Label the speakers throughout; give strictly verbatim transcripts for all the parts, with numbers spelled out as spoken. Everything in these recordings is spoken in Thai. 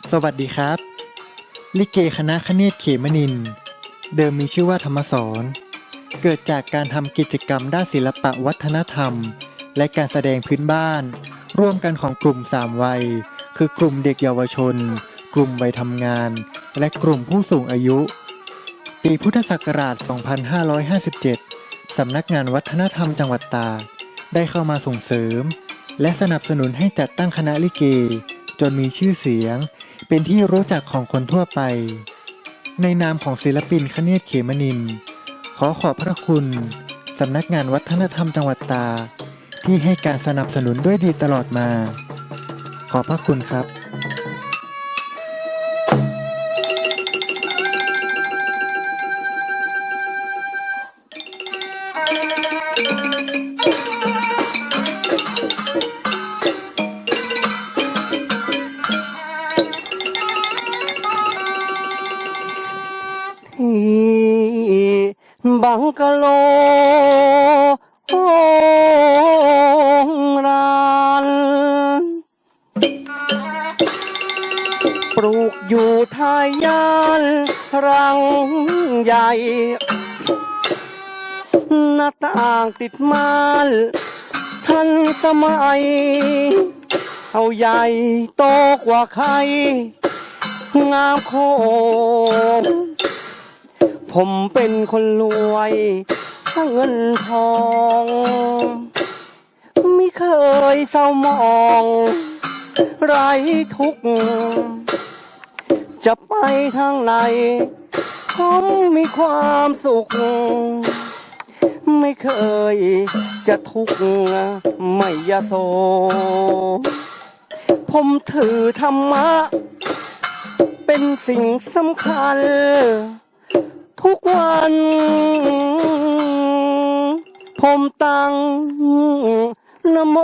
Speaker 1: สวัสดีครับลิเกคณะคเนศเขมนินทร์เดิมมีชื่อว่าธรรมสรณ์เกิดจากการทำกิจกรรมด้านศิลปะวัฒนธรรมและการแสดงพื้นบ้านร่วมกันของกลุ่มสามวัยคือกลุ่มเด็กเยาวชนกลุ่มวัยทำงานและกลุ่มผู้สูงอายุปีพุทธศักราช สองพันห้าร้อยห้าสิบเจ็ด สำนักงานวัฒนธรรมจังหวัดตากได้เข้ามาส่งเสริมและสนับสนุนให้จัดตั้งคณะลิเกจนมีชื่อเสียงเป็นที่รู้จักของคนทั่วไปในนามของศิลปินคเนศเขมนินทร์ขอขอบพระคุณสำนักงานวัฒนธรรมจังหวัดตากที่ให้การสนับสนุนด้วยดีตลอดมาขอบพระคุณครับ
Speaker 2: บังกะโลโองรานปลูกอยู่ทายานรังใหญ่หน้าต่างติดม่านทันสมัยเอาใหญ่โตกว่าใครงามโคผมเป็นคนรวยถ้าเงินทองไม่เคยเศร้ามองไร้ทุกข์จะไปทางไหนผมมีความสุขไม่เคยจะทุกข์ไม่ยโสผมถือธรรมะเป็นสิ่งสำคัญทุกวันผมตั้งนะโม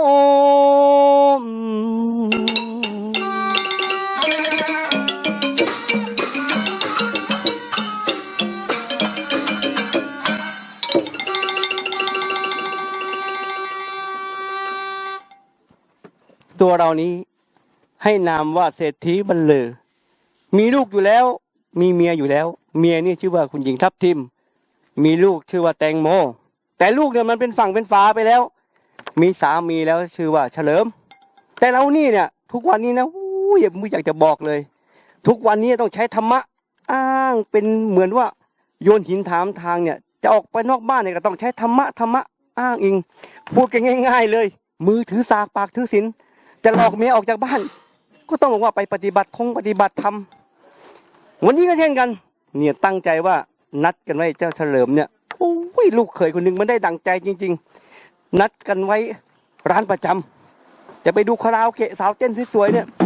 Speaker 2: ตัวเรานี้ให้นามว่าเศรษฐีบรรลือมีลูกอยู่แล้วมีเมียอยู่แล้วเมียนี่ชื่อว่าคุณหญิงทับทิมมีลูกชื่อว่าแตงโมแต่ลูกเนี่ยมันเป็นฝั่งเป็นฝาไปแล้วมีสามีแล้วชื่อว่าเฉลิมแต่เรานี่เนี่ยทุกวันนี้นะอู้ยไม่อยากจะบอกเลยทุกวันนี้ต้องใช้ธรรมะอ้างเป็นเหมือนว่าโยนหินถามทางเนี่ยจะออกไปนอกบ้านเนี่ยก็ต้องใช้ธรรมะธรรมะอ้างอิงพูดกันง่ายๆเลยมือถือสากปากถือศีลจะหลอกเมียออกจากบ้านก็ต้องบอกว่าไปปฏิบัติทงปฏิบัติธรรมวันนี้ก็เช่นกันเนี่ยตั้งใจว่านัดกันไว้เจ้าเฉลิมเนี่ยโอ้ยลูกเขยคนหนึ่งมันได้ดังใจจริงๆนัดกันไว้ร้านประจำจะไปดูคาราโอเกะสาวเต้นสวยๆเนี่ย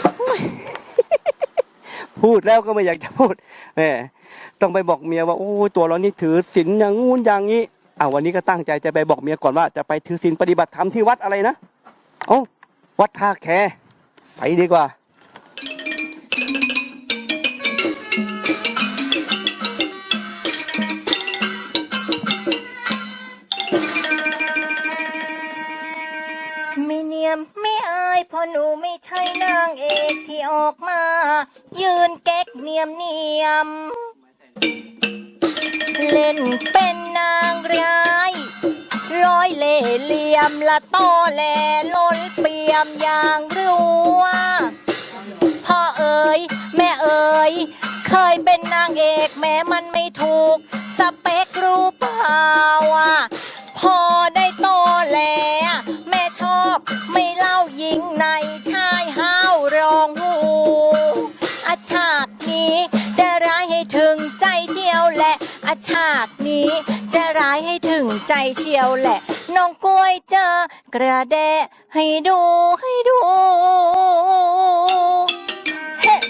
Speaker 2: พูดแล้วก็ไม่อยากจะพูดแหมต้องไปบอกเมียว่าโอ้ตัวเรานี่ถือศีลอย่างงู้นอย่างนี้อ่าวันนี้ก็ตั้งใจจะไปบอกเมียก่อนว่าจะไปถือศีลปฏิบัติธรรมที่วัดอะไรนะโอ้วัดท่าแคไปดีกว่า
Speaker 3: ไม่เนียมไม่อายเพราะหนูไม่ใช่นางเอกที่ออกมายืนเก๊กเนียมเนียมเล่นเป็นนางร้ายร้อยเล่ห์เหลี่ยมละต้อแหลล้นเปี่ยมอย่างรู้ว่าพ่อเอ๋ยแม่เอ๋ยเคยเป็นนางเอกแม้มันไม่ถูกสเปครู้เปล่าอ่ะพอได้โตแล้วแม่ชอบไม่เล่ายิงในชายห้าวรองหูอาฉากนี้จะร้ายให้ถึงใจเชียวแหละอาฉากนี้จะร้ายให้ถึงใจเชียวแหละน้องกล้วยเจอกระแดะให้ดูให้ดูเฮ้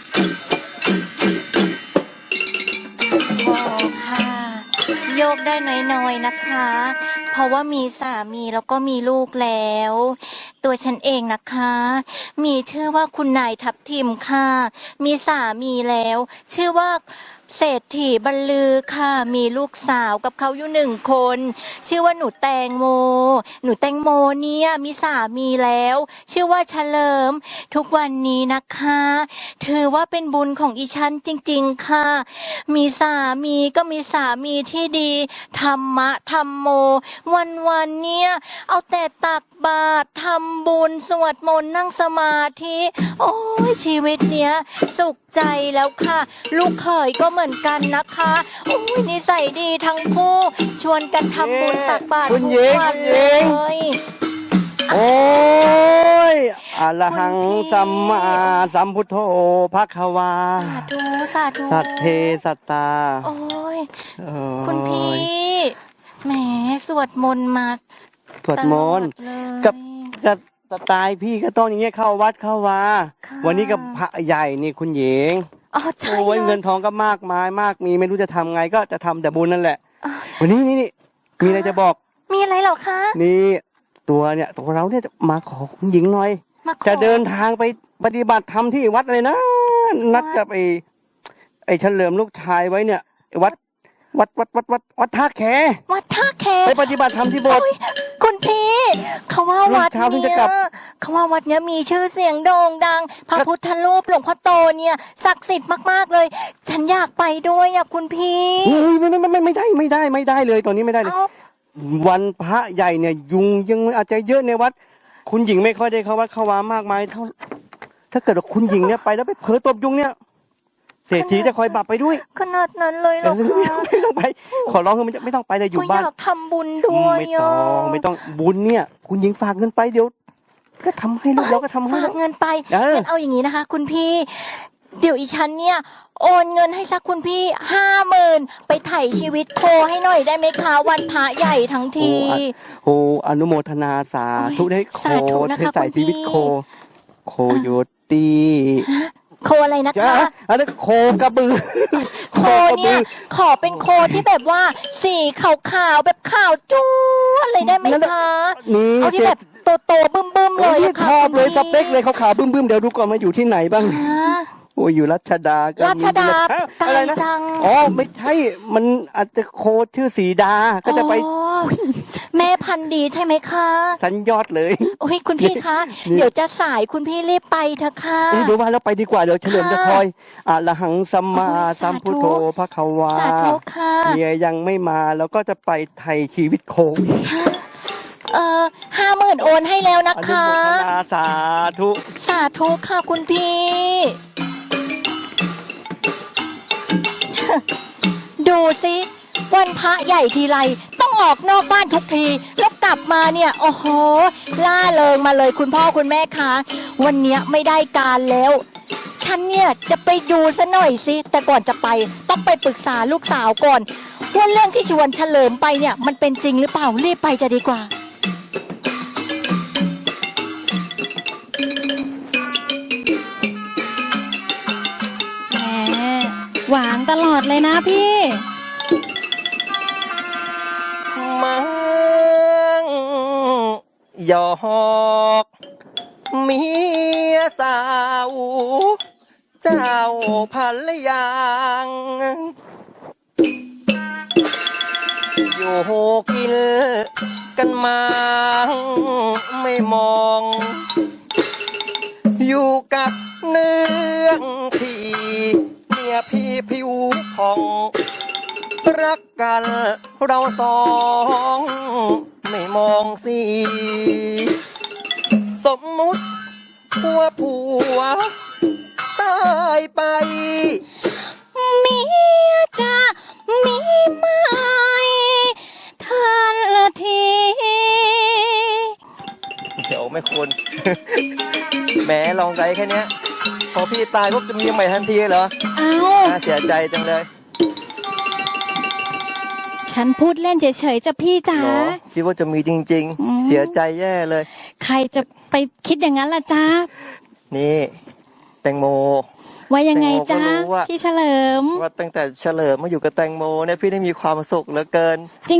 Speaker 3: โยกได้หน่อยๆนะนะคะ เพราะว่ามีสามีแล้วก็มีลูกแล้ว ตัวฉันเองนะคะ มีชื่อว่าคุณนายทับทิมค่ะ มีสามีแล้ว ชื่อว่าเศรษฐีบรรลือค่ะ มีลูกสาวกับเขาอยู่หนึ่งคน ชื่อว่าหนูแตงโม หนูแตงโมเนี่ยมีสามีแล้ว ชื่อว่าเฉลิม ทุกวันนี้นะคะถือว่าเป็นบุญของอีฉันจริงๆค่ะ มีสามีก็มีสามีที่ดีธรรมะธรรมโม วันวันๆเนี่ยเอาแต่ตักบาตรทำบุญสวดมนต์นั่งสมาธิ โอ้ยชีวิตเนี้ยสุขใจแล้วค่ะ ลูกเขยก็เหมือนกันนะคะโอ้ยนิสัยดีทั้งคู่ชวนกันทำบุญตักบาตร
Speaker 2: คุณ
Speaker 3: ทุก
Speaker 2: หญิง
Speaker 3: วัน
Speaker 2: คุณห
Speaker 3: เล
Speaker 2: ญิง
Speaker 3: ย
Speaker 2: โอ้ยอะระหัง
Speaker 3: คุณพี่
Speaker 2: สัมมาสัมพุทโธภควา
Speaker 3: สาธุสาธุ
Speaker 2: สัตเพสัตตา
Speaker 3: โอ้ย
Speaker 2: โอ้ย
Speaker 3: คุณพี่แหมสวดมนต์มา
Speaker 2: สวดมนต์
Speaker 3: ตลอดเลย
Speaker 2: กับกับสไตล์พี่ก็ต้องอย่างเงี้ยเข้าวัดเข้าวา
Speaker 3: ค่ะ
Speaker 2: วันนี้กับพระใหญ่นี่คุณหญิง
Speaker 3: อ๋อใช่
Speaker 2: โอ้ย
Speaker 3: ล
Speaker 2: เงินทองก็มากมายมากมีไม่รู้จะทำไงก็จะทำแต่บุญนั่นแหละ วันนี้นี่นี่มีอะไรจะบอก
Speaker 3: มีอะไรเหรอคะ
Speaker 2: นี่ตัวเนี่ยตัวเราเนี่ยจะมาขอคุณหญิงหน่อย
Speaker 3: มาขอ
Speaker 2: จะเดินทางไปปฏิบัติธรรมที่วัดอะไรนะ นัดกับไอ้ไอ้เฉลิมลูกชายไว้เนี่ย วัดวัดวัดวัดวัดวัดท่าแข
Speaker 3: วัดท่าแค
Speaker 2: ไปปฏิบัติธรรมที่โบสถ์
Speaker 3: โอ้ยคุณพี่เขาว่าวัด
Speaker 2: เช้าถึงจะ
Speaker 3: เนี้
Speaker 2: กลั
Speaker 3: ย
Speaker 2: บ
Speaker 3: เขาว่าวัดเนี้ยมีชื่อเสียงโด่งดัง พระพุทธรูปหลวงพ่อโตเนี่ยศักดิ์สิทธิ์มากๆเลย ฉันอยากไปด้วยอ่ะคุณพี่
Speaker 2: อุ้ยไม่ไม่ไม่ไม่ไม่ได้ไม่ได้ไม่ได้เลยตอนนี้ไม่ได้เลย
Speaker 3: เอา
Speaker 2: วันพระใหญ่เนี่ยยุงยังอาจจะเยอะในวัด คุณหญิงไม่ค่อยได้เข้าวัดเข้าวามากมายเท่า ถ้าเกิดว่าคุณหญิงเนี่ยไปแล้วไปเผลอตบยุงเนี่ย เศรษฐีจะคอยบับไปด้วย
Speaker 3: ขนาดนั้นเลยเหรอ
Speaker 2: ไม่
Speaker 3: คะ
Speaker 2: ต้องไม่ต้องไป ขอร้องคือมันจะไม่ต้องไปเลยอยู่
Speaker 3: ก็อ
Speaker 2: บ้าน
Speaker 3: ยากทำบุญด้วย
Speaker 2: ไม่ต้อง
Speaker 3: ะ
Speaker 2: ไม่ต้องบุญเนี่ย คุณหญิงฝากเงินไปเดี๋ยว ก็ทำให้ลูกเราก็ทำให้
Speaker 3: ฝากเงินไป
Speaker 2: เออ
Speaker 3: งั้นเอาอย่างนี้นะคะ คุณพี่ เดี๋ยวอีฉันเนี่ยโอนเงินให้สักคุณพี่ห้าหมื่นไปไถ่ชีวิตโคให้หน่อยได้ไหมคะวันพระใหญ่ทั้งที
Speaker 2: โอ้อนุโมทนาสาธุได้โค
Speaker 3: สาธุนะคะ
Speaker 2: ให้ใส่
Speaker 3: คุณพี่
Speaker 2: ชีวิตโค โคโยตี
Speaker 3: โคอะไรนะ
Speaker 2: จ้า
Speaker 3: คะ
Speaker 2: อันนั้นโคกระบือ
Speaker 3: โคเนี่ยขอเป็นโคที่แบบว่าสีขาวๆแบบขาวจ้วนเลยได้ไหมคะ
Speaker 2: นี่
Speaker 3: เอาที่
Speaker 2: เจ็
Speaker 3: แบบโตๆบึ้มๆเลย
Speaker 2: นี่
Speaker 3: อะค่ะ
Speaker 2: ชอบเลย
Speaker 3: คุณ
Speaker 2: ส
Speaker 3: พี่
Speaker 2: เปคเลยขาวๆบึ้มๆเดี๋ยวดูก่อนมาอยู่ที่ไหนบ้าง
Speaker 3: อ่า
Speaker 2: โอ้ยอยู่รัชดาก็มี
Speaker 3: รัชดา
Speaker 2: ฮะ
Speaker 3: ไกล
Speaker 2: อะไรนะ
Speaker 3: จัง
Speaker 2: อ๋อไม่ใช่ มันอาจจะโคชื่อสีดา ก็จะไป
Speaker 3: อ๋อแม่พันธุ์ดีใช่ไหมคะ
Speaker 2: สันยอดเลย
Speaker 3: โอ้ยคุณพี่คะ
Speaker 2: นี่
Speaker 3: เดี๋ยวจะสายคุณพี่รีบไปเถอะค่ะ
Speaker 2: เอ้ยเดี๋ยวว่าแล้วไปดีกว่าเดี๋ยวเฉลิมจะคอยอะระหังสัมมา
Speaker 3: โอ้ย
Speaker 2: สัมพุทโธ
Speaker 3: สาธุ
Speaker 2: พระขวา
Speaker 3: สาธุค่ะ
Speaker 2: เมียยังไม่มาแล้วก็จะไปไทยชีวิตโค
Speaker 3: เออห้าหมื่นโอนให้แล้วนะ
Speaker 2: อนุ
Speaker 3: คะ
Speaker 2: โมทนาสาธุ
Speaker 3: สาธุค่ะคุณพี่ ดูสิวันพระใหญ่ทีไรต้องออกนอกบ้านทุกที แล้วกลับมาเนี่ย โอ้โห ล่าเริงมาเลยคุณพ่อคุณแม่คะวันเนี้ยไม่ได้การแล้ว ฉันเนี่ยจะไปดูซะหน่อยสิแต่ก่อนจะไปต้องไปปรึกษาลูกสาวก่อนว่าเรื่องที่ชวนเฉลิมไปเนี่ย มันเป็นจริงหรือเปล่ารีบไปจะดีกว่า
Speaker 4: แหมหวานตลอดเลยนะพี่
Speaker 5: มังหยอกเมียสาว เจ้าพันละยางอยู่กินกันมาไม่มอง อยู่กับเนื้องที่เมียพี่ผิวผ่อง รักกันเราสองไม่มองสีสมมุติว่าผัวตายไป
Speaker 4: เมียจะมีไหมทันละที
Speaker 5: เดี๋ยวไม่ควร แหมลองใจแค่เนี้ยพอพี่ตายปุ๊บจะมีใหม่ทันทีเหรอ
Speaker 4: เอา
Speaker 5: น่าเสียใจจังเลย
Speaker 4: ฉันพูดเล่นเฉยๆจะพี่จ๋า
Speaker 5: เหรอคิดว่าจะมีจริง
Speaker 4: อืม
Speaker 5: ๆ เสียใจแย่เลย
Speaker 4: ใครจะไปคิดอย่างนั้นล่ะจ๊ะ
Speaker 5: นี่ แตงโม
Speaker 4: ว่ายังไงจ๊ะ
Speaker 5: แตงโมก็รู้ว่า
Speaker 4: พี่เฉลิม
Speaker 5: ว่าตั้งแต่เฉลิมมาอยู่กับแตงโมเนี่ยพี่ได้มีความสุขเหลือเกิน
Speaker 4: จริง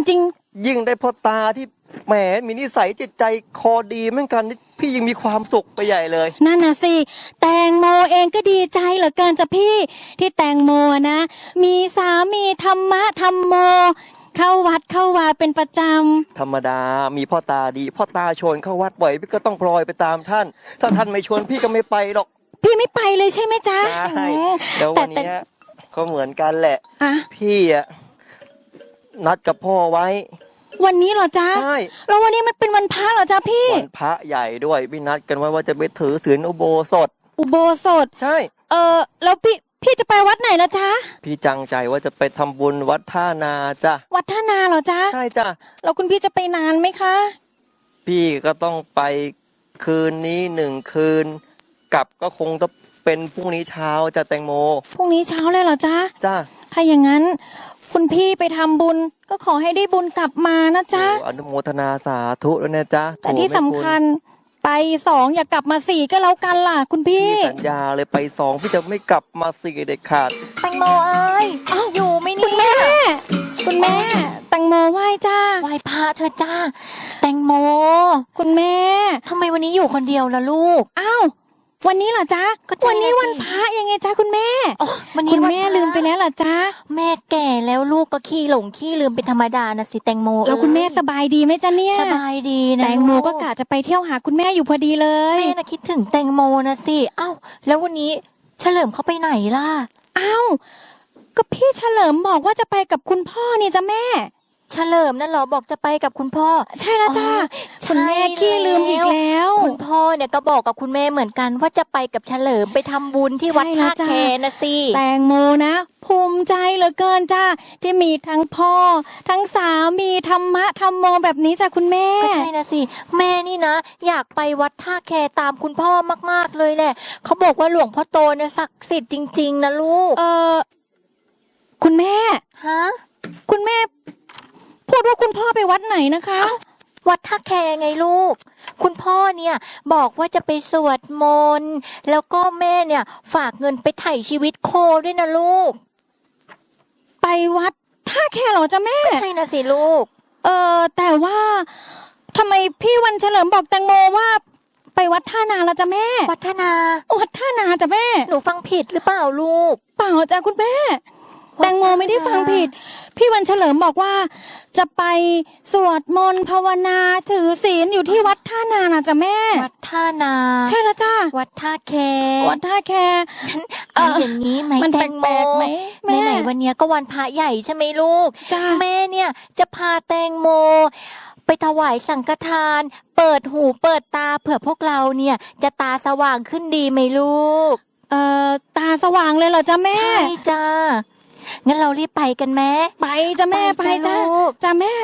Speaker 5: ยิ่งได้พ่อตาที่แหมมีนิสัยจิตใจคอดีเหมือนกันนี่พี่ยิ่งมีความสุขไปใหญ่เลย
Speaker 4: นั่นน่ะสิแตงโมเองก็ดีใจเหลือเกินจ้ะพี่ที่แตงโมนะมีสามีธรรมะธรรมโม เข้าวัดเข้าวาเป็นประจำ
Speaker 5: ธรรมดามีพ่อตาดีพ่อตาชวนเข้าวัดบ่อยพี่ก็ต้องพลอยไปตามท่าน ถ้าท่านไม่ชวนพี่ก็ไม่ไปหรอก
Speaker 4: พี่ไม่ไปเลยใช่ไหมจ๊ะ
Speaker 5: ใช่แล้ววันนี้ก็เหมือนกันแหละพี่อะนัดกับพ่อไว้
Speaker 4: วันนี้เหรอจ๊ะ
Speaker 5: ใช่
Speaker 4: แล้ววันนี้มันเป็นวันพระเหรอจ๊ะพี่
Speaker 5: วันพระใหญ่ด้วยพี่นัดกันไว้ว่าจะไปถือศีลอุโบสถ
Speaker 4: อุโบสถ
Speaker 5: ใช่
Speaker 4: เออแล้วพี่พี่จะไปวัดไหนล่ะจ๊ะ
Speaker 5: พี่จังใจว่าจะไปทำบุญวัดท่านาจ้ะ
Speaker 4: วัดท่านาเหรอจ๊ะ
Speaker 5: ใช่จ้ะ
Speaker 4: แล้วคุณพี่จะไปนานไหมคะ
Speaker 5: พี่ก็ต้องไปคืนนี้หนึ่งคืนกลับก็คงต้องเป็นพรุ่งนี้เช้าจะแตงโม
Speaker 4: พรุ่งนี้เช้าเลยเหรอจ๊ะ
Speaker 5: จ้ะ
Speaker 4: ถ้าอย่างนั้นคุณพี่ไปทำบุญก็ขอให้ได้บุญกลับมานะจ๊ะ
Speaker 5: อนุโมทนาสาธุแล้วนะจ๊ะ
Speaker 4: แต่ที่สำคัญไปสองอย่ากลับมาสี่ก็แล้วกันล่ะคุณพี่
Speaker 5: สัญญาเลยไปสองพี่จะไม่กลับมาสี่เด็ดขาด
Speaker 3: แตงโมเอ้ยอยู่ไหมเนี่ย
Speaker 4: คุณแม่แตงโมไหว้จ้า
Speaker 3: ไหว้พระเธอจ้าแตงโม
Speaker 4: คุณแม่
Speaker 3: ทำไมวันนี้อยู่คนเดียวล่ะลูก
Speaker 4: อ้าววันนี้เหรอจ๊ะวันนี้วันพระยังไงจ๊ะคุณแม่
Speaker 3: วันนี้
Speaker 4: คุณแม่ลืมไปแล้วเหรอจ๊ะ
Speaker 3: แม่แก่แล้วลูกก็ขี้หลงขี้ลืมเป็นธรรมดานะสิแตงโม
Speaker 4: แล้วคุณแม่สบายดีไหมจ๊ะเนี่ย
Speaker 3: สบายดีนะ
Speaker 4: แตงโมก็กะจะไปเที่ยวหาคุณแม่อยู่พอดีเลย
Speaker 3: แม่น่ะคิดถึงแตงโมนะสิอ้าวแล้ววันนี้เฉลิมเขาไปไหนล่ะ
Speaker 4: อ้าวก็พี่เฉลิมบอกว่าจะไปกับคุณพ่อนี่จ้ะแม่
Speaker 3: เฉลิมนั่นเหรอบอกจะไปกับคุณพ่อ
Speaker 4: ใช่แล้วจ้าคุณแม่ขี้ลืมอีกแล้ว
Speaker 3: คุณพ่อเนี่ยก็บอกกับคุณแม่เหมือนกันว่าจะไปกับเฉลิมไปทำบุญที่วัดท่าแคนะสิ
Speaker 4: แตงโมนะภูมิใจเหลือเกินจ้าที่มีทั้งพ่อทั้งสามีธรรมะธรรมโมแบบนี้จ้ะคุณแม่
Speaker 3: ก็ใช่นะสิแม่นี่นะอยากไปวัดท่าแคตามคุณพ่อมากๆเลยแหละเขาบอกว่าหลวงพ่อโตเนี่ยศักดิ์สิทธิ์จริงๆนะลูก
Speaker 4: เออคุณแม่
Speaker 3: ฮะ
Speaker 4: คุณแม่พูดว่าคุณพ่อไปวัดไหนนะคะ
Speaker 3: วัดท่าแคไงลูกคุณพ่อเนี่ยบอกว่าจะไปสวดมนต์แล้วก็แม่เนี่ยฝากเงินไปไถ่ชีวิตโคด้วยนะลูก
Speaker 4: ไปวัดท่าแคเหรอจ๊ะแม่
Speaker 3: ก็ใช่นะสิลูก
Speaker 4: เออแต่ว่าทำไมพี่วันเฉลิมบอกแตงโมว่าไปวัดท่านาละจ๊ะแม่
Speaker 3: วัดท่านา
Speaker 4: วัดท่านาจ้ะแม่
Speaker 3: หนูฟังผิดหรือเปล่าลูก
Speaker 4: เปล่าจ้ะคุณแม่แตงโมไม่ได้ฟังผิดพี่วันเฉลิมบอกว่าจะไปสวดมนต์ภาวนาถือศีลอยู่ที่วัดท่านานะจ๊ะแม่
Speaker 3: วัดท่านา
Speaker 4: ใช่แล้วจ้า
Speaker 3: วัดท่าแค
Speaker 4: วัดท่าแค
Speaker 3: เอาอย่างนี้ไหมแตงโมไหนๆวันนี้ก็วันพระใหญ่ใช่ไหมลูกแม่เนี่ยจะพาแตงโมไปถวายสังฆทานเปิดหูเปิดตาเผื่อพวกเราเนี่ยจะตาสว่างขึ้นดีไหมลูก
Speaker 4: เอ่อตาสว่างเลยเหรอจ๊ะแม่
Speaker 3: ใช่จ้างั้นเรารีบไปกันแม่
Speaker 4: ไปจ้ะแม่ไปจ้ะจ้ะแม่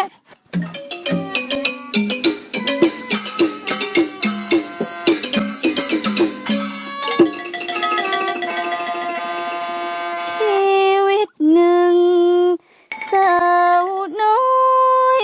Speaker 6: ชีวิตหนึ่งสาวน้อย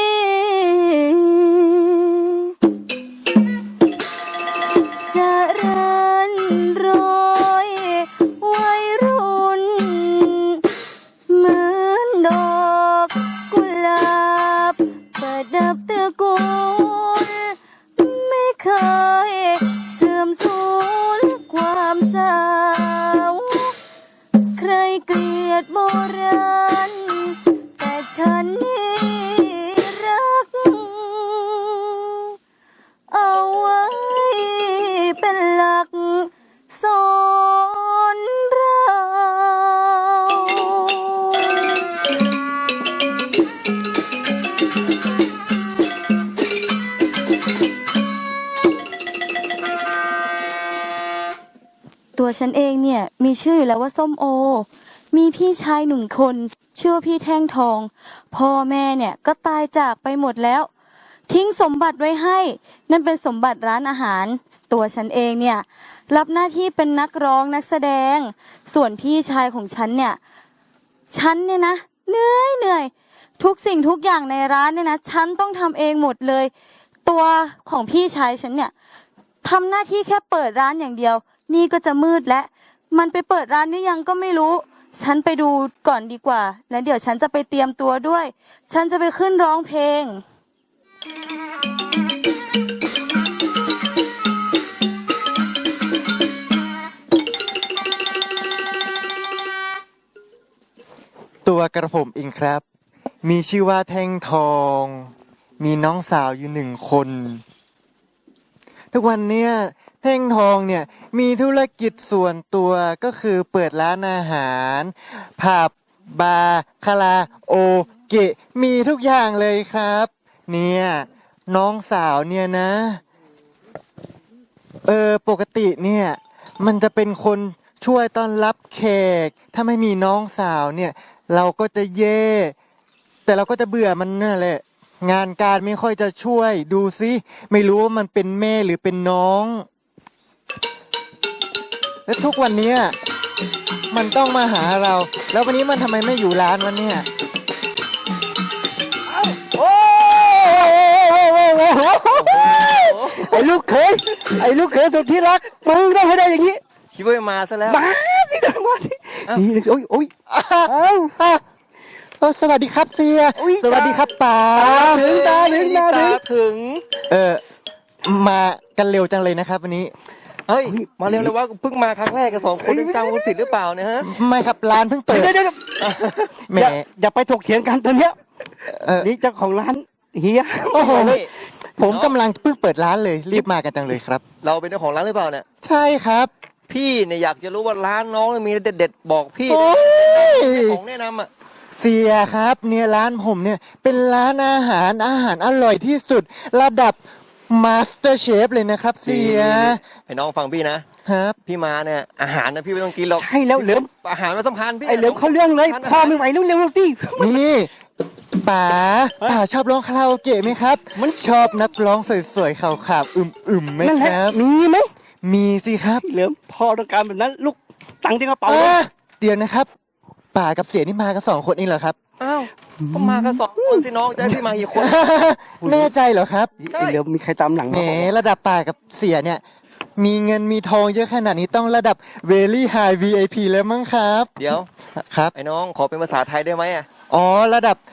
Speaker 6: จะรันรอยวัยรุ่นเหมือนดอกกุหลาบประดับตระกูลไม่เคยเสื่อมสูญความสาวใครเกลียดโบราณแต่ฉันนี่รักเอาไว้เป็นหลักสอนเราตัวฉันเองเนี่ยมีชื่ออยู่แล้วว่าส้มโอมีพี่ชายหนึ่งคนชื่อว่าพี่แท่งทองพ่อแม่เนี่ยก็ตายจากไปหมดแล้วทิ้งสมบัติไว้ให้นั่นเป็นสมบัติร้านอาหารตัวฉันเองเนี่ยรับหน้าที่เป็นนักร้องนักแสดงส่วนพี่ชายของฉันเนี่ยฉันเนี่ยนะเหนื่อยเหนื่อยทุกสิ่งทุกอย่างในร้านเนี่ยนะฉันต้องทำเองหมดเลยตัวของพี่ชายฉันเนี่ยทำหน้าที่แค่เปิดร้านอย่างเดียวนี่ก็จะมืดแล้วมันไปเปิดร้านนี่ยังก็ไม่รู้ฉันไปดูก่อนดีกว่า แล้วเดี๋ยวฉันจะไปเตรียมตัวด้วย ฉันจะไปขึ้นร้องเพลง
Speaker 1: ตัวกระผมเองครับ มีชื่อว่าแท่งทอง มีน้องสาวอยู่หนึ่งคน ทุกวันเนี้ยแท่งทองเนี่ยมีธุรกิจส่วนตัวก็คือเปิดร้านอาหารผับบาร์คาราโอเกะมีทุกอย่างเลยครับ เนี่ยน้องสาวเนี่ยนะ เออปกติเนี่ยมันจะเป็นคนช่วยต้อนรับแขกถ้าไม่มีน้องสาวเนี่ยเราก็จะเย่แต่เราก็จะเบื่อมันนั่นแหละงานการไม่ค่อยจะช่วยดูซิไม่รู้ว่ามันเป็นแม่หรือเป็นน้องแล้วทุกวันเนี้ยมันต้องมาหาเรา แล้ววันนี้มันทำไมไม่อยู่ร้านวะเนี่ย
Speaker 2: โอ้ไอ้ลูกเขยไอ้ลูกเขยสุดที่รักมึงต้องให้ได้อย่างนี้
Speaker 5: คิดว่ามาซะแล้ว
Speaker 2: มาสิเดินมาสินี่โอ้ยโอ้ย
Speaker 1: อ้าวอ้าวเออสวัสดีครับเสีย
Speaker 2: อุ๊ย
Speaker 1: สวัสดีครับป๋า
Speaker 2: ถึงตาถึงตาถึ
Speaker 5: ตาง ถึง
Speaker 1: เออมากันเร็วจังเลยนะครับวันนี้
Speaker 5: เฮ้ย มาเร็วเลยว่าเพิ่งมาครั้งแรกกันสองคนจำคนผิดหรือเปล่าเนี่ยฮะ
Speaker 1: ไม่ครับร้านเพิ่งเปิด
Speaker 2: เดี๋ยวเดี๋ยว
Speaker 1: แหม
Speaker 2: อย่าอย่าไปถกเถียงกันตอนเนี้ย
Speaker 1: เออ
Speaker 2: นี่เจ้าของร้านเฮีย
Speaker 1: โอ้โหผมกำลังเพิ่งเปิดร้านเลยรีบมากันจังเลยครับ
Speaker 5: เราเป็นเจ้าของร้านหรือเปล่าเนี่ย
Speaker 1: ใช่ครับ
Speaker 5: พี่เนี่ยอยากจะรู้ว่าร้านน้องมีเด็ดๆบอกพี่
Speaker 1: โอ้ย
Speaker 5: ของแนะนำอ่ะ
Speaker 1: เสียครับเนี่ยร้านผมเนี่ยเป็นร้านอาหารอาหารอร่อยที่สุดระดับมาสเตอร์เชฟเลยนะครับเสีย
Speaker 5: ให้น้องฟังพี่นะครับ พี่มาเนี่ยอาหารนะพี่ไม่ต้องกินหรอก
Speaker 2: ใช่แล้วเหลิม
Speaker 5: อาหารมันสำคัญพี่
Speaker 2: ไอ้เหลิมเขาเรื่องเลยพ่อไม่ไหวแล้วเร็วๆสิ
Speaker 1: นี่ป๋าป๋าชอบร้องคาราโอเกะไหมครับ มันชอบนักร้องสวยๆขาวๆอึมๆไหม
Speaker 2: นั่นแห
Speaker 1: ค
Speaker 2: ละ
Speaker 1: รับ
Speaker 2: มีไหม
Speaker 1: มีสิครับ
Speaker 2: เหลิมพ่อต้องการแบบนั้นลูกตังค์ที่กระเป๋า
Speaker 1: อ่ะเดี๋ยวนะครับป๋ากับเสียนี่มากันสองคนเองเหรอครับ
Speaker 5: อ้าวก็มากันสองคนสิน้องจะให้พี่มากี่คน
Speaker 1: แน่ใจเหรอครับ
Speaker 5: ใช่
Speaker 2: ไอ้เหลิมมีใครตามหลัง
Speaker 1: แหม
Speaker 2: มาบอก
Speaker 1: ระดับป๋ากับเสียเนี่ย มีเงินมีทองเยอะขนาดนี้ต้องระดับ very high วี ไอ พี แล้วมั้งครับ
Speaker 5: เดี๋ยว
Speaker 1: ครับ
Speaker 5: ไอ้น้องขอเป็นภาษาไทยได้ไหมอ่ะ
Speaker 1: อ๋อระดับ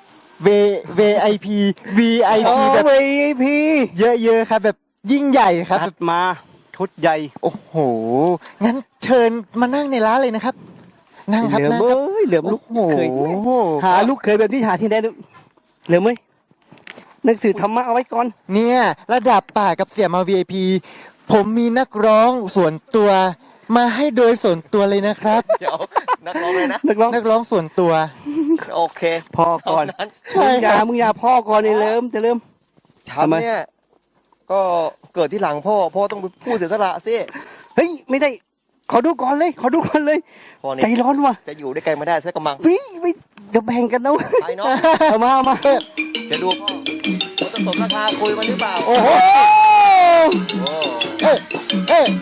Speaker 1: V วี ไอ พี วี ไอ
Speaker 2: โอ้
Speaker 1: พี แบบ
Speaker 2: วีไอพี
Speaker 1: เยอะๆครับ แบบยิ่งใหญ่ครับ
Speaker 2: จัดมาชุดใหญ่
Speaker 1: โอ้โห งั้นเชิญมานั่งในร้านเลยนะครับ นั่งครับ
Speaker 2: เหลิม
Speaker 1: นั่งครับ
Speaker 2: เอ้ยเหลิมลูก
Speaker 1: โอ้
Speaker 2: เคย
Speaker 1: โห
Speaker 2: หาลูกเคยแบบที่หาที่ไหนเหลิมเอ้ยหนังสือธรรมะเอาไว้ก่อน
Speaker 1: เนี่ยระดับป่ากับเสียมา วี ไอ พี ผมมีนักร้องส่วนตัว มาให้โดยส่วนตัวเลยนะครับ
Speaker 5: เดี๋ยวนักร้องเลยนะ
Speaker 2: นักร้อง
Speaker 1: นักร้องส่วนตัว
Speaker 5: โอเค
Speaker 2: พ่อก่อน
Speaker 5: เท่านั้น
Speaker 1: ใช่
Speaker 2: มึงอ
Speaker 1: ครั
Speaker 2: ย่า
Speaker 1: บ
Speaker 2: มึงอย่าพ่อก่อนไอ้เหลิมจะเริ่ม
Speaker 5: ฉัน
Speaker 2: ทำไม
Speaker 5: เนี่ยก็เกิดที่หลังพ่อพ่อต้องเป็นผู้เสียสละสิ
Speaker 2: เฮ้ยไม่ได้ ขอดูก่อนเลย ขอดูก่อนเลย
Speaker 5: พ่อนี่
Speaker 2: ใจร้อนว่ะ
Speaker 5: จะอยู่ด้วยกันไม่ได้สักกำลัง
Speaker 2: วิวิเดี๋ยวแบ่งกันนะ
Speaker 5: ไปเนาะ
Speaker 2: เอามาเอามา
Speaker 5: เดี๋ยวดูพ่อว่าจะสมราคาคุยมันหรือเปล่า
Speaker 1: โอ้โห
Speaker 5: โอ้
Speaker 1: เอ้ยเอ้ย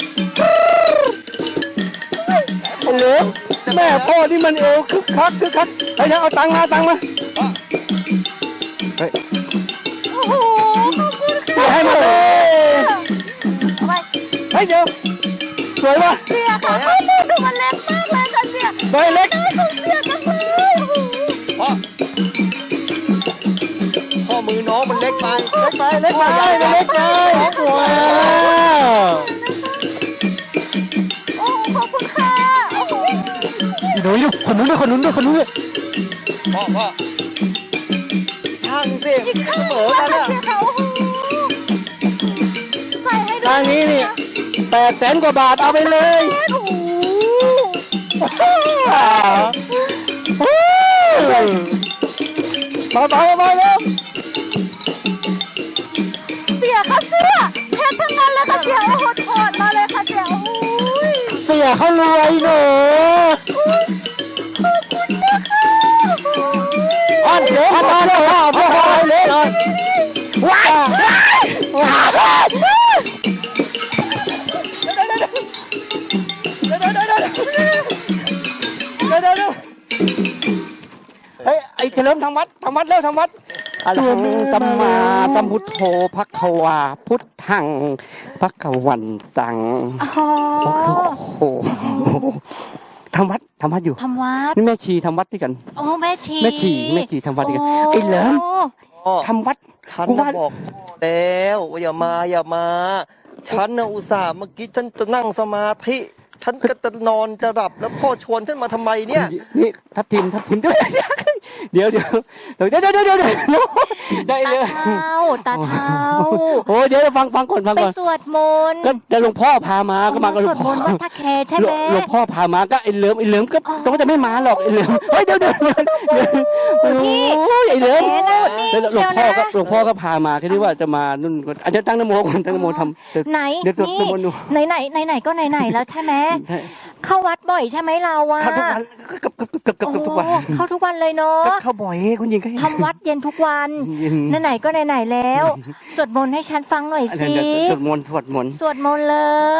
Speaker 2: ไอ้เหลิมแม่พ่อนี่มันเอวคึกคักคึกคักเฮ้ยเดี๋ยวเอาตังค์มาตังค์มา
Speaker 1: เฮ้ย
Speaker 6: โอ้โห ขอบคุณค่ะ
Speaker 2: เสียให้มาเลย
Speaker 6: เอาไป
Speaker 2: เฮ้ยเดี๋ยวสวยป่ะ
Speaker 6: เสียค่ะข้อมูลดูมันเล็กมากเลยค่ะเสีย
Speaker 2: ใบเล็ก
Speaker 6: ได้ของเสียจังเลยโอ้โห
Speaker 5: พ่อพ่อมือน้องมันเล็กไป
Speaker 2: เล็กไปเล็กไป
Speaker 1: ได้ไปเล็กไปว้าว
Speaker 6: โอ้โหขอบคุณค่ะโอ้โห
Speaker 1: หนูอยู่คนนู้นด้วยคนนู้นด้วยคนนู้นด้วย
Speaker 5: พ่อพ่อช่างสิ
Speaker 6: อีก
Speaker 5: เส
Speaker 6: ข้าง
Speaker 5: มอกันอะ
Speaker 6: เสียค่ะโอ้โหใส่ให้ด้วย
Speaker 2: ทางนี้นี่แปดแสนกว่าบาทเอาไปเลย
Speaker 6: โอ้โห
Speaker 2: เบาเบาเบาเร็ว
Speaker 6: เสียค่ะเสียเพชรทั้งนั้นเลยค่ะเสียโอ้โหถอดมาเลยค่ะเสียโอ้ย
Speaker 1: เสียเขารวยหนู
Speaker 6: ขอบคุณนะคะโอ้ย
Speaker 1: อ้อนเล็กอ้อนอ้อนอ้อนพ่อพ่อเล็กอ้อนว้าวว้าว
Speaker 2: เดี๋ยวเดี๋ยวเดี๋ยวเดี๋ยวเดี๋ยวเดี๋ยวเดี๋ยวเฮ้ยไอ้เฉลิมทำวัดทำวัดเร็วทำวัดอะระหังสัมมาสัมพุทโธพักขวาพุทธังพักขวันตัง
Speaker 6: อ๋อ
Speaker 2: โอ้โหทำวัดทำวัดอยู่
Speaker 3: ทำวัด
Speaker 2: นี่แม่ชีทำวัดด้วยกัน
Speaker 3: โอ้แม่ชี
Speaker 2: แม่ชีแม่ชีทำวัดด้วยกัน
Speaker 3: โ
Speaker 2: ไอ้เหลิม
Speaker 5: พ่อ
Speaker 2: ทำวัด
Speaker 5: ฉัน
Speaker 2: กู
Speaker 5: น่ะ
Speaker 2: ว่า
Speaker 5: บอกพ่อแล้วว่าอย่ามาอย่ามา ฉันน่ะอุตส่าห์เมื่อกี้ฉันจะนั่งสมาธิ ฉันก็จะนอนจะหลับแล้วพ่อชวนฉันมาทำไมเนี่ย
Speaker 2: นี่ทับทิมทับทิมเดี๋ยวเดี๋ยวเดี๋ยวเดี๋ยวเดี๋ยวเดี๋ยวเดี๋ยวเดี๋ยวได้
Speaker 3: ตา
Speaker 2: เลย
Speaker 3: เท้าตาเท้า
Speaker 2: โอ้เดี๋ยวฟังฟังก่อนฟัง
Speaker 3: ไป
Speaker 2: ก่อน
Speaker 3: สวดมนต์
Speaker 2: ก็เดี๋ยวหลวงพ่อพามาก็มากับห
Speaker 3: ส
Speaker 2: ลว
Speaker 3: วด
Speaker 2: ง
Speaker 3: ม
Speaker 2: พ่อน
Speaker 3: ต์วัดท่าแคใช่ไหม
Speaker 2: หลวงพ่อพามาก็ไอ้เหลิมไอ้เหลิมก็ก็จะไม่มาหรอกไอ้เหลิมเฮ้ยเดี๋ยวเดี๋ยวโอ้ยไอ้เหลิม
Speaker 4: เอ๊ะนะนี่
Speaker 2: แล้วหล
Speaker 4: เชี
Speaker 2: ว
Speaker 4: ยว
Speaker 2: งพ่อ
Speaker 4: นะ
Speaker 2: ก็หลวงพ่อก็พามาแค่นี้ว่าจะมานุ่นอาจจะตั้งนโมก่อนตั้งนโมทำเดี๋ยว
Speaker 3: ไหน
Speaker 2: เดี๋ยวสวด
Speaker 3: นี่
Speaker 2: มนต์ดู
Speaker 3: ไหนไหนไหนไหนก็ไหนไหนแล้วใช่ไหมเข้าวัดบ่อยใช่ไหมเราอะ
Speaker 2: เข้าทุกวันเกับกับกับกับ
Speaker 3: โอ้
Speaker 2: ทุกวัน
Speaker 3: เข้าทุกวันเลยเนาะ
Speaker 2: ก็เข้าบ่อยคุณหญิงก็
Speaker 3: ทำวัดเย็นทุกวัน
Speaker 2: เย็น
Speaker 3: ไหนๆก็ไหนๆแล้ว สวดมนต์ให้ฉันฟังหน่อย
Speaker 2: อัน
Speaker 3: สิ
Speaker 2: นั้นเดี๋ยวสวดมนต์สวดมนต์
Speaker 3: สวดมนต์เลย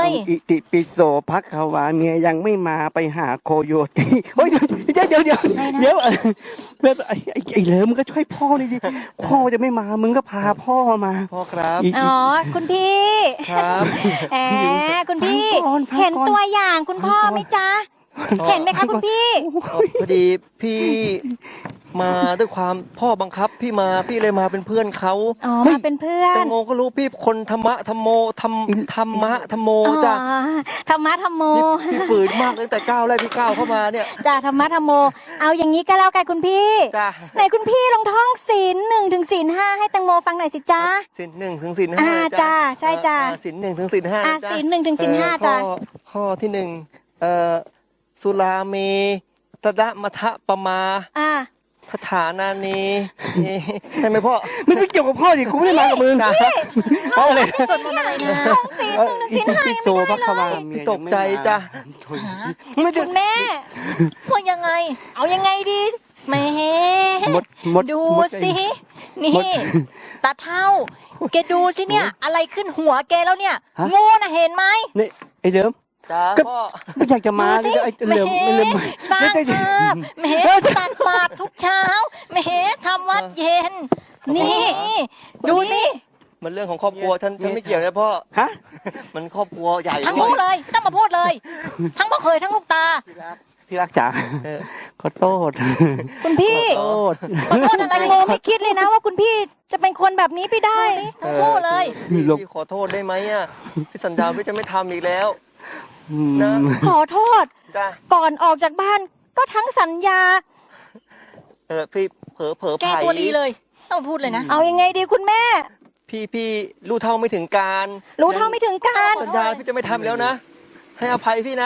Speaker 2: อิติปิโสภักขวาเมียยังไม่มาไปหาโคโยตีเฮ้ยเดี๋ยวเดี๋ยวเดี๋ยวเดี๋ยวเดี๋ยวไอ้ไอ้ไอ้เหลิมมึงก็ช่วยพ่อหน่อยดิพ่อจะไม่มามึงก็พาพ่อมา
Speaker 5: พ่อครับ
Speaker 2: อีก
Speaker 4: อ๋อ คุณพี่
Speaker 5: ครับ
Speaker 4: แหมคุณพี่
Speaker 2: ฟังก่อนฟังก่อน
Speaker 4: เห็นตัวอย่างคุณพ่อไหมจ๊ะ เห็นไหมคะคุณพี่
Speaker 5: เอ่อพอดีพี่มาด้วยความพ่อบังคับ พี่มาพี่เลยมาเป็นเพื่อนเขา
Speaker 4: อ๋อ มาเป็นเพื่อ
Speaker 5: แต
Speaker 4: น
Speaker 5: งโมก็รู้พี่คนธรรมะธรรมโมธรรมธรรมะธรรมโม
Speaker 4: อ๋อ
Speaker 5: จ้ะ
Speaker 4: ธรรมะธรรมโม
Speaker 5: พี่พี่ฝืนมากตั้งแต่ก้าวแรกที่ก้าวเข้ามาเนี่ย
Speaker 4: จ้าธรรมะธรรมโม เอาอย่างนี้ก็แล้วกันคุณพี่
Speaker 5: จ้ะ
Speaker 4: ไหนคุณพี่ลองท่องศีลหนึ่งถึงศีลห้าให้แตังโมฟังหน่อยสิจ้า
Speaker 5: สินหนึ่งถึงสินห้า
Speaker 4: อ่าจ้ะใช่จ้ะ
Speaker 5: อ่าสินหนึ่งถึงสินห้า
Speaker 4: อ่า
Speaker 5: จ้ะ
Speaker 4: ศีลหนึ่งถึงศีลห้า
Speaker 5: เอ่อ
Speaker 4: จ้ะ
Speaker 5: ข้อข้อที่หนึ่งเอ่อสุราเมตดะมะทะปะมา
Speaker 4: อ่า
Speaker 5: ทฐานานีนี่ใช่ไหมพ่อ
Speaker 2: ไม่ไปเกี่ยวกับพ่อดิกูไม่ได้มากับมึงเอาเลย
Speaker 3: สวดมนต์อะไรนะ
Speaker 4: ท่องศีลหนึ่งถึงศีลห้า
Speaker 2: ปิ
Speaker 4: ยัง
Speaker 2: โส
Speaker 4: ไม่
Speaker 2: ภั
Speaker 4: ได้
Speaker 2: กข
Speaker 4: เล
Speaker 2: วาย เมีย
Speaker 5: ตกใจจ้ะ
Speaker 2: ไม่ได้
Speaker 4: คุณแม่
Speaker 3: ว่ายังไง
Speaker 4: เอายังไงดี
Speaker 3: แหม่
Speaker 2: หมดหมด
Speaker 3: ดู
Speaker 2: หมด
Speaker 3: สิ นี่ ตาเท่า แกดูสิเนี่ย อะไรขึ้นหัวแกแล้วเนี่ย งูน่ะเห็นไหม
Speaker 2: นี่ไอ้เหลิม
Speaker 5: จ้า
Speaker 2: ก็
Speaker 5: พ่อ
Speaker 2: ไม่อยากจะมาเลยไอ้เหลิมไม่เหลิม
Speaker 3: สร้าง
Speaker 2: ไม่ได้
Speaker 3: ภาพแหมตักบาตรทุกเช้าแหมทำวัดเย็น นี่ ดูสิ
Speaker 5: มันเรื่องของครอบครัวฉันฉันไม่เกี่ยวนะพ่อ
Speaker 2: ฮะ
Speaker 5: มันครอบครัวใหญ่
Speaker 3: ทั้งคู่เลย ต้องมาพูดเลย ทั้งพ่อเคยทั้งลูกตา
Speaker 2: ที่รักจ๋า
Speaker 5: เออ
Speaker 2: ขอโทษ
Speaker 4: คุณพี่
Speaker 2: โทษ
Speaker 3: ขอโทษอะไร
Speaker 4: แตงโมไม่คิดเลยนะว่าคุณพี่จะเป็นคนแบบนี้ไปได้
Speaker 3: ทั้งคู่เลย
Speaker 5: พี่พี่ขอโทษได้ไหมอ่ะพี่สัญญาพี่จะไม่ทำอีกแล้ว
Speaker 2: อืม
Speaker 5: นะ
Speaker 4: ขอโทษ
Speaker 5: จ้า
Speaker 4: ก่อนออกจากบ้านก็ทั้งสัญญา
Speaker 5: เออพี่เผลอเผลอ
Speaker 3: แก
Speaker 5: ไผ่
Speaker 3: ตัวดีเลย ต้องพูดเลยนะ
Speaker 4: เอายังไงดีคุณแม่
Speaker 5: พี่พี่รู้เท่าไม่ถึงการ
Speaker 4: รู้เท่าไม่ถึงการ
Speaker 5: สัญญาพี่จะไม่ทำแล้วนะ ให้อภัยพี่นะ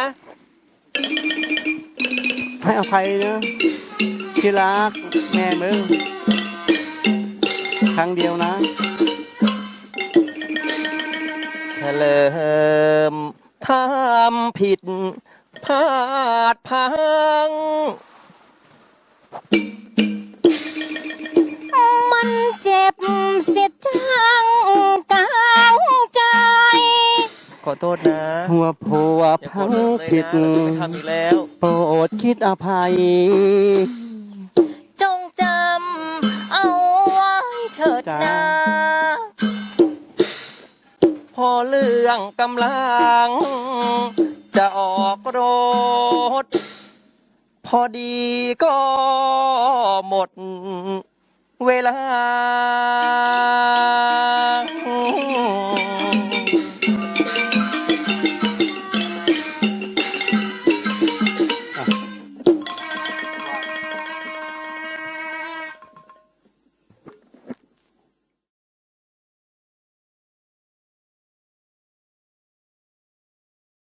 Speaker 2: ให้อภัยนะที่รักแม่มึงครั้งเดียวนะ
Speaker 5: เฉลิมทำผิดพลาดพลัง
Speaker 4: มันเจ็บเสียจังกาวใจ
Speaker 5: ขอโทษนะ
Speaker 2: หัวผัว
Speaker 5: อย่าโกร
Speaker 2: พั
Speaker 5: ธ
Speaker 2: ง
Speaker 5: ผมเลย
Speaker 2: ผิด
Speaker 5: นะเราจะไม่ทำอีกแล้ว
Speaker 2: โปรดคิดอภัย
Speaker 3: จงจำเอาไว้เถิด
Speaker 2: จ้า
Speaker 3: นะ
Speaker 5: พอเรื่องกำลัง จะออกรถ พอดีก็หมดเวลา